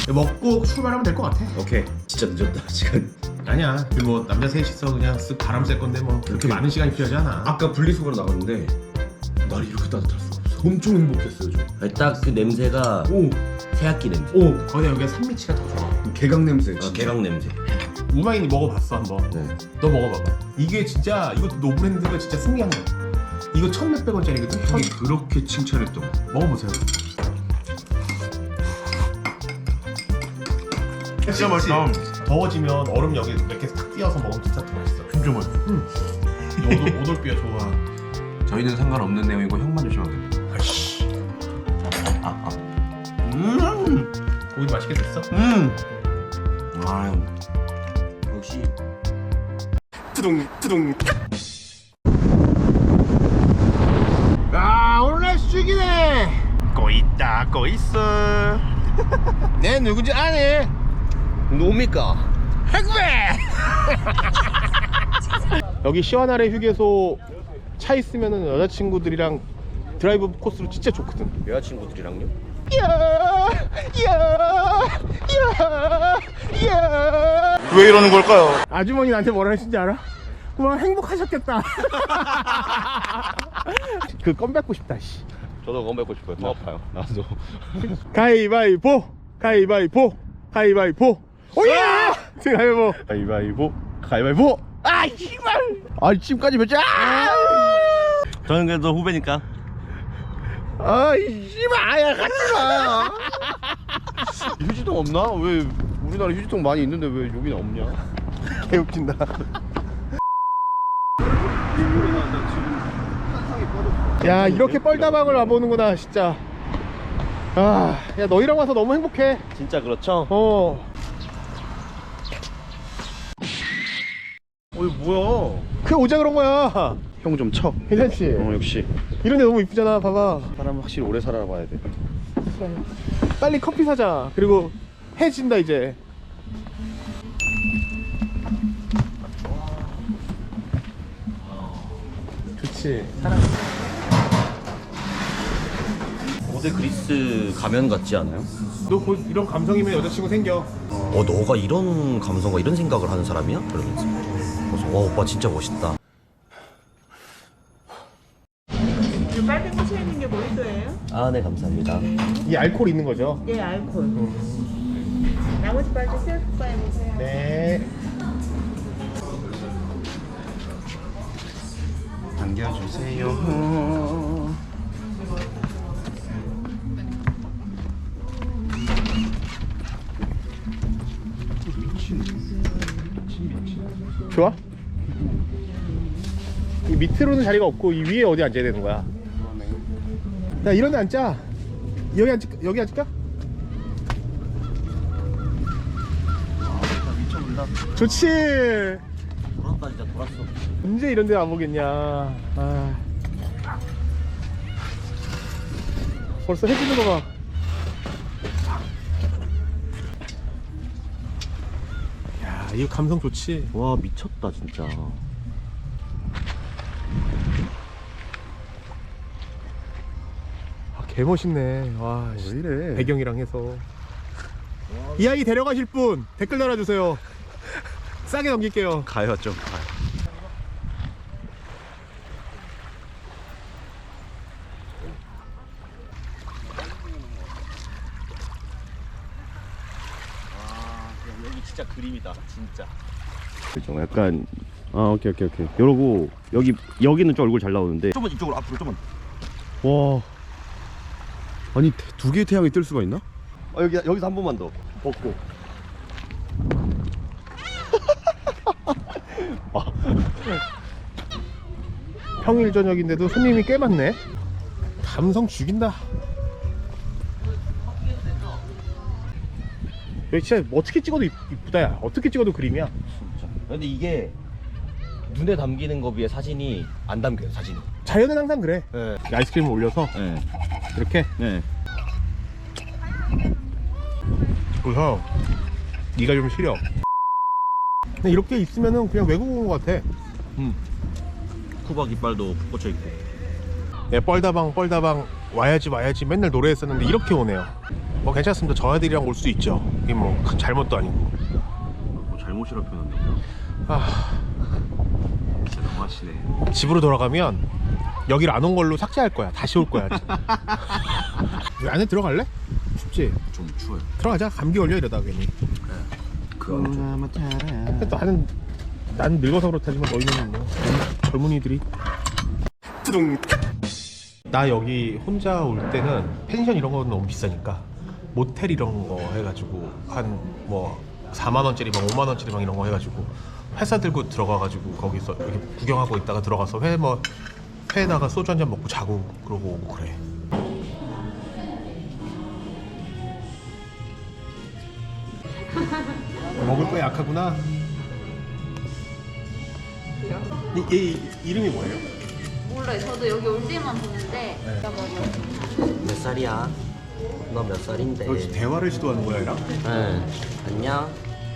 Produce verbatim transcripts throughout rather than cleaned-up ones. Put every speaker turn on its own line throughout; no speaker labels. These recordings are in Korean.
먹고 출발하면 될 것 같아.
오케이. 진짜 늦었다 시간.
아니야. 뭐 남자 셋이서 그냥 쓱 바람 쐴 건데 뭐 그렇게 많은 시간이 필요하지 않아.
아까 분리수거로 나갔는데 날이 이렇게 따뜻할 수가 없어. 엄청 행복했어요 저.
딱 그 냄새가
오,
새학기 냄새.
오, 거기다 여기가 산미치가 더 좋아.
개강 냄새.
아,
진짜.
개강 냄새.
우마이니 먹어봤어 한번.
네.
너 먹어봐봐. 이게 진짜 이것도 노브랜드가 진짜 승리한 거야. 이거 천 몇백 원짜리거든. 천...
형이 그렇게 칭찬했던 거.
먹어보세요.
진짜 맛있다.
더워지면 얼음 여기 이렇게 탁 띄어서 먹으면 진짜 더 맛있어.
진짜 맛있어.
오돌, 오돌뼈 좋아.
저희는 상관없는 내용이고 형만 조심하면 됩니다.
아씨.
아, 아. 음,
고기 맛있게 됐어?
음. 아,
역시
뚜둥 뚜둥. 아 오늘 날씨 죽이네. 꼬있다 꼬있어. 내 누군지 아네.
뭡니까?
핵배. 여기 시원하래 휴게소 차 있으면은 여자친구들이랑 드라이브 코스로 진짜 좋거든.
여자친구들이랑요?
왜 이러는 걸까요? 아주머니 나한테 뭐라 하신지 알아? 그만 행복하셨겠다. 그 껌 뱉고 싶다. 씨.
저도 건 뱉고 싶어요. 더 아파요. 나도.
가위바위보, 가위바위보, 가위바위보. 오야! 가위바위보, 가위바위보, 가위바위보. 아 씨발! 아 지금까지 몇 자?
저는 그래도 후배니까.
아 씨발! 아야 가지마.
휴지통 없나? 왜 우리나라 휴지통 많이 있는데 왜 여기는 없냐?
개웃긴다. 야 이렇게 뻘다방을 와보는구나 진짜. 아, 야 너희랑 와서 너무 행복해.
진짜 그렇죠?
어.
어이 뭐야?
그 오자 그런 거야.
형 좀 쳐.
괜찮지?
어 역시
이런데 너무 이쁘잖아. 봐봐.
사람 확실히 오래 살아봐야 돼.
빨리 커피 사자. 그리고 해 진다 이제. 좋지. 사랑.
고대 그리스 가면 같지 않아요?
너 곧 이런 감성이면 여자친구 생겨.
어, 너가 이런 감성과 이런 생각을 하는 사람이야? 그러면서. 그래서 와, 오빠 진짜 멋있다.
이 빨간 거 차 있는 게 모히또예요?
아, 네, 감사합니다.
이 알코올 있는 거죠?
네, 알콜. 나머지 빨대 셀프 바해 보세요.
네.
안겨주세요.
좋아? 이 밑으로는 자리가 없고 이 위에 어디 앉아야 되는 거야? 야 이런 데 앉자. 여기 앉을까? 여기 앉을까? 좋지.
돌았다, 진짜 돌았어.
언제 이런 데 와보겠냐. 아. 벌써 해지는 거 봐. 야 이거 감성 좋지.
와, 미쳤다, 진짜.
아, 개멋있네. 와,
왜 이래?
배경이랑 해서. 이 아이 데려가실 분 댓글 달아주세요. 싸게 넘길게요.
가요, 좀 가요. 여기 진짜 그림이다, 진짜.
그죠? 약간 아 오케이 오케이 오케이. 이러고 여기 여기는 좀 얼굴 잘 나오는데.
좀만 이쪽으로 앞으로 좀만.
와. 아니 두 개의 태양이 뜰 수가 있나?
어, 여기 여기서 한 번만 더 벗고.
평일 저녁인데도 손님이 꽤 많네. 감성 죽인다. 여기 진짜 어떻게 찍어도 이- 이쁘다 야. 어떻게 찍어도 그림이야.
진짜. 근데 이게 눈에 담기는 거 비해 사진이 안 담겨요, 사진이.
자연은 항상 그래.
네.
아이스크림을 올려서
네.
이렇게.
네.
그래서 네가 좀 시려. 근데 이렇게 있으면은 그냥 외국 온 것 같아.
음. 쿠박 이빨도 꽂혀 있고.
내 뻘다방 뻘다방 와야지 와야지 맨날 노래했었는데 이렇게 오네요. 뭐 괜찮습니다. 저 애들이랑 올 수 있죠. 이게 뭐 큰 잘못도 아니고.
뭐 잘못이라 표현한다고요?
아,
진짜 너무하시네.
집으로 돌아가면 여기를 안 온 걸로 삭제할 거야. 다시 올 거야. 여기 안에 들어갈래? 춥지?
좀 추워요.
들어가자. 감기 걸려 이러다 괜히.
그 안에 좀.
근데 나는 난 늙어서 그렇다지만 너희는 뭐 젊은이들이. 나 여기 혼자 올 때는 펜션 이런 거는 너무 비싸니까 모텔 이런 거 해가지고 한 뭐 사만 원짜리 방, 오만 원짜리 방 이런 거 해가지고 회사 들고 들어가가지고 거기서 이렇게 구경하고 있다가 들어가서 회 뭐 회에다가 소주 한 잔 먹고 자고 그러고 오고 그래. 먹을 거에 약하구나. 이, 이, 이 이름이 뭐예요?
몰라요. 저도 여기 올 때만 보는데
네.
몇 살이야? 너 몇 살인데?
너 지금 대화를 시도하는 거야, 얘랑?
응. 안녕.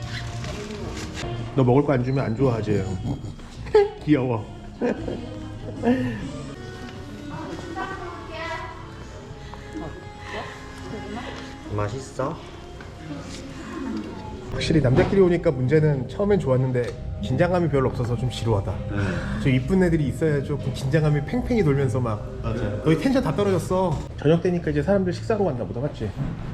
너 먹을 거 안 주면 안 좋아하지. 귀여워.
맛있어?
확실히 남자끼리 오니까 문제는 처음엔 좋았는데 긴장감이 별로 없어서 좀 지루하다. 저 이쁜 애들이 있어야 조금 긴장감이 팽팽히 돌면서 막
맞아요.
너희 텐션 다 떨어졌어. 저녁 되니까 이제 사람들 식사하러 간다 보다, 맞지?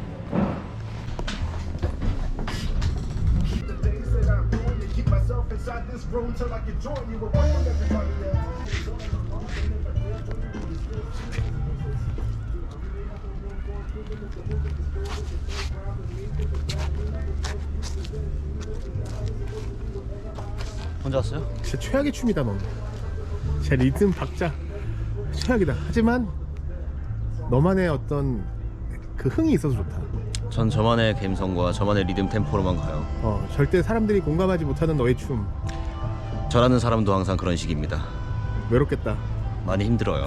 혼자 왔어요?
진짜 최악의 춤이다 넌. 제 리듬 박자 최악이다. 하지만 너만의 어떤 그 흥이 있어서 좋다.
전 저만의 감성과 저만의 리듬 템포로만 가요.
어, 절대 사람들이 공감하지 못하는 너의 춤.
저라는 사람도 항상 그런 식입니다.
외롭겠다.
많이 힘들어요.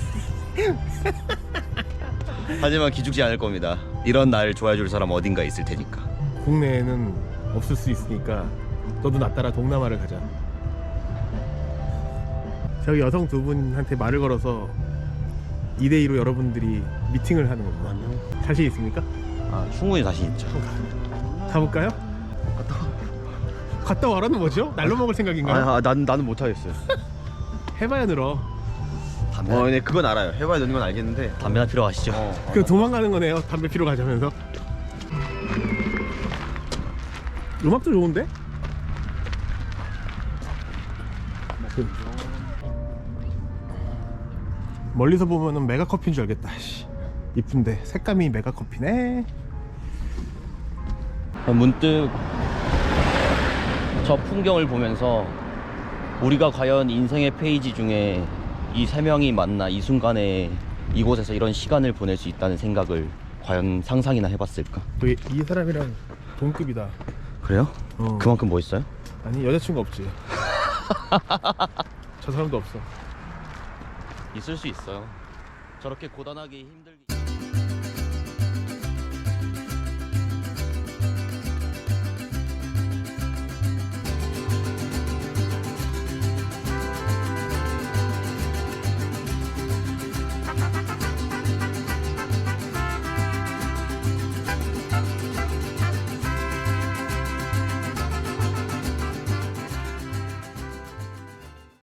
하지만 기죽지 않을 겁니다. 이런 날 좋아해줄 사람 어딘가 있을 테니까.
국내에는 없을 수 있으니까 너도 나 따라 동남아를 가자. 저기 여성 두 분한테 말을 걸어서 이 대 이로 여러분들이 미팅을 하는 겁니다.
안녕.
자신 있습니까?
아 충분히 자신 있죠.
가볼까요? 갔다 와라는 뭐죠? 날로 먹을 생각인가요?
아, 난 나는 못 하겠어요.
해봐야 늘어.
담배,
어, 네 그건 알아요. 해봐야 되는 건 알겠는데.
담배나 피러 가시죠.
어.
그 도망가는 거네요. 담배 피러 가자면서. 음악도 좋은데? 그 멀리서 보면은 메가 커피인 줄 알겠다. 씨. 이쁜데 색감이 메가 커피네.
문득 저 풍경을 보면서 우리가 과연 인생의 페이지 중에 이 세 명이 만나 이 순간에 이곳에서 이런 시간을 보낼 수 있다는 생각을 과연 상상이나 해봤을까?
이, 이 사람이랑 동급이다.
그래요?
어.
그만큼 뭐 있어요?
아니 여자친구 없지. 저 사람도 없어.
있을 수 있어요. 저렇게 고단하게 힘들게